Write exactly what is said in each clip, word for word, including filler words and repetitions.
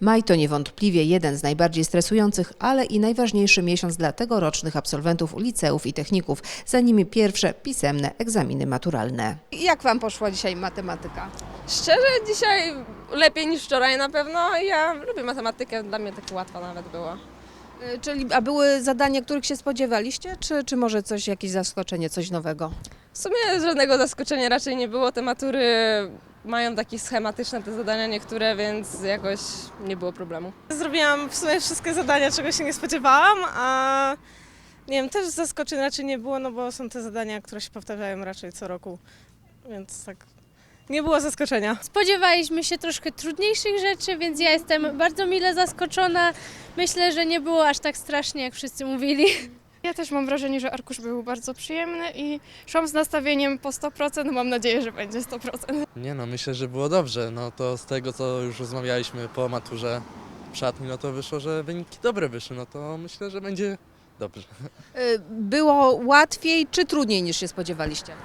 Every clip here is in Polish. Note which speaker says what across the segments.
Speaker 1: Maj to niewątpliwie jeden z najbardziej stresujących, ale i najważniejszy miesiąc dla tegorocznych absolwentów liceów i techników. Za nimi pierwsze pisemne egzaminy maturalne. Jak Wam poszła dzisiaj matematyka?
Speaker 2: Szczerze, dzisiaj lepiej niż wczoraj na pewno. Ja lubię matematykę, dla mnie tak łatwa nawet była.
Speaker 1: Y, Czyli, a były zadania, których się spodziewaliście, czy, czy może coś, jakieś zaskoczenie, coś nowego?
Speaker 2: W sumie żadnego zaskoczenia raczej nie było. Te matury mają takie schematyczne te zadania niektóre, więc jakoś nie było problemu.
Speaker 3: Zrobiłam w sumie wszystkie zadania, czego się nie spodziewałam, a nie wiem, też zaskoczeń raczej nie było, no bo są te zadania, które się powtarzają raczej co roku, więc tak nie było zaskoczenia.
Speaker 4: Spodziewaliśmy się troszkę trudniejszych rzeczy, więc ja jestem bardzo mile zaskoczona. Myślę, że nie było aż tak strasznie, jak wszyscy mówili.
Speaker 5: Ja też mam wrażenie, że arkusz był bardzo przyjemny i szłam z nastawieniem po sto procent, mam nadzieję, że będzie sto procent.
Speaker 6: Nie no, myślę, że było dobrze. No to z tego, co już rozmawialiśmy po maturze w szatni, no to wyszło, że wyniki dobre wyszły. No to myślę, że będzie dobrze.
Speaker 1: Y, Było łatwiej czy trudniej niż się spodziewaliście?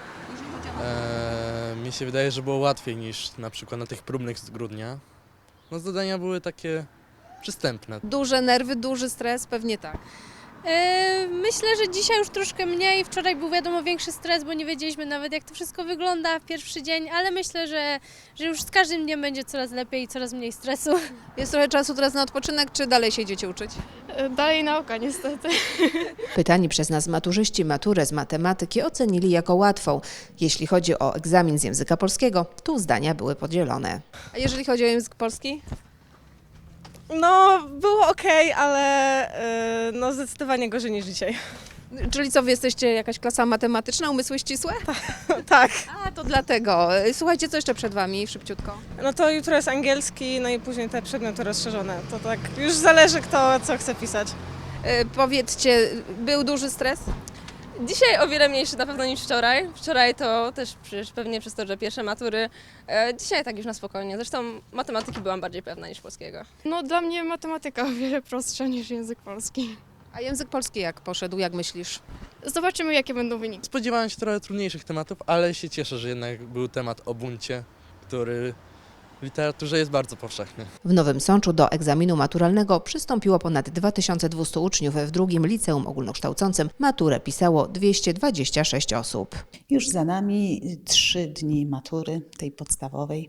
Speaker 6: Eee, mi się wydaje, że było łatwiej niż na przykład na tych próbnych z grudnia. No zadania były takie przystępne.
Speaker 1: Duże nerwy, duży stres, pewnie tak.
Speaker 4: Yy, Myślę, że dzisiaj już troszkę mniej. Wczoraj był wiadomo większy stres, bo nie wiedzieliśmy nawet, jak to wszystko wygląda w pierwszy dzień, ale myślę, że, że już z każdym dniem będzie coraz lepiej i coraz mniej stresu.
Speaker 1: Jest trochę czasu teraz na odpoczynek, czy dalej się idziecie uczyć?
Speaker 5: Dalej nauka niestety.
Speaker 1: Pytani przez nas maturzyści maturę z matematyki ocenili jako łatwą. Jeśli chodzi o egzamin z języka polskiego, tu zdania były podzielone. A jeżeli chodzi o język polski?
Speaker 3: No, było okej, ale yy, no zdecydowanie gorzej niż dzisiaj.
Speaker 1: Czyli co, wy jesteście jakaś klasa matematyczna, umysły ścisłe?
Speaker 3: Tak,
Speaker 1: A, to dlatego. Słuchajcie, co jeszcze przed Wami, szybciutko?
Speaker 3: no to jutro jest angielski, no i później te przedmioty rozszerzone. To tak już zależy, kto co chce pisać.
Speaker 1: E, powiedzcie, był duży stres?
Speaker 2: Dzisiaj o wiele mniejszy na pewno niż wczoraj. Wczoraj to też przecież pewnie przez to, że pierwsze matury. E, dzisiaj tak już na spokojnie. Zresztą matematyki byłam bardziej pewna niż polskiego.
Speaker 5: No dla mnie matematyka o wiele prostsza niż język polski.
Speaker 1: A język polski jak poszedł, jak myślisz?
Speaker 5: Zobaczymy, jakie będą wyniki.
Speaker 6: Spodziewałem się trochę trudniejszych tematów, ale się cieszę, że jednak był temat o buncie, który w literaturze jest bardzo powszechny.
Speaker 1: W Nowym Sączu do egzaminu maturalnego przystąpiło ponad dwa tysiące dwieście uczniów. W drugim liceum ogólnokształcącym maturę pisało dwieście dwadzieścia sześć osób.
Speaker 7: Już za nami trzy dni matury, tej podstawowej.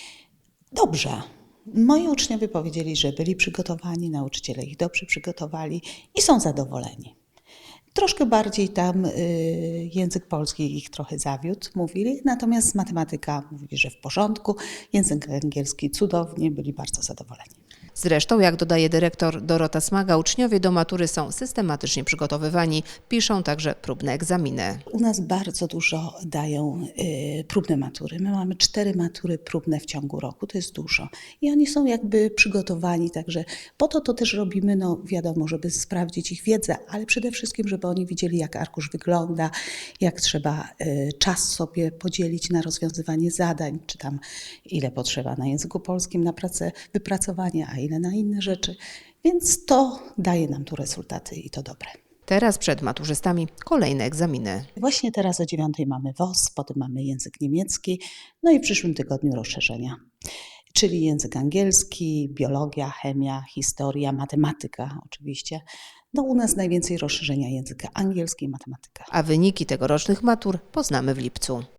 Speaker 7: Dobrze. Moi uczniowie powiedzieli, że byli przygotowani, nauczyciele ich dobrze przygotowali i są zadowoleni. Troszkę bardziej tam y, język polski ich trochę zawiódł, mówili, natomiast matematyka mówili, że w porządku, język angielski cudownie, byli bardzo zadowoleni.
Speaker 1: Zresztą, jak dodaje dyrektor Dorota Smaga, uczniowie do matury są systematycznie przygotowywani, piszą także próbne egzaminy.
Speaker 7: U nas bardzo dużo dają y, próbne matury. My mamy cztery matury próbne w ciągu roku, to jest dużo. I oni są jakby przygotowani, także po to to też robimy, no wiadomo, żeby sprawdzić ich wiedzę, ale przede wszystkim, żeby oni widzieli, jak arkusz wygląda, jak trzeba y, czas sobie podzielić na rozwiązywanie zadań, czy tam ile potrzeba na języku polskim na pracę, wypracowanie, a ile na inne rzeczy. Więc to daje nam tu rezultaty i to dobre.
Speaker 1: Teraz przed maturzystami kolejne egzaminy.
Speaker 7: Właśnie teraz o dziewiątej mamy W O S, potem mamy język niemiecki, no i w przyszłym tygodniu rozszerzenia, czyli język angielski, biologia, chemia, historia, matematyka oczywiście. No u nas najwięcej rozszerzenia języka angielski i matematyka.
Speaker 1: A wyniki tegorocznych matur poznamy w lipcu.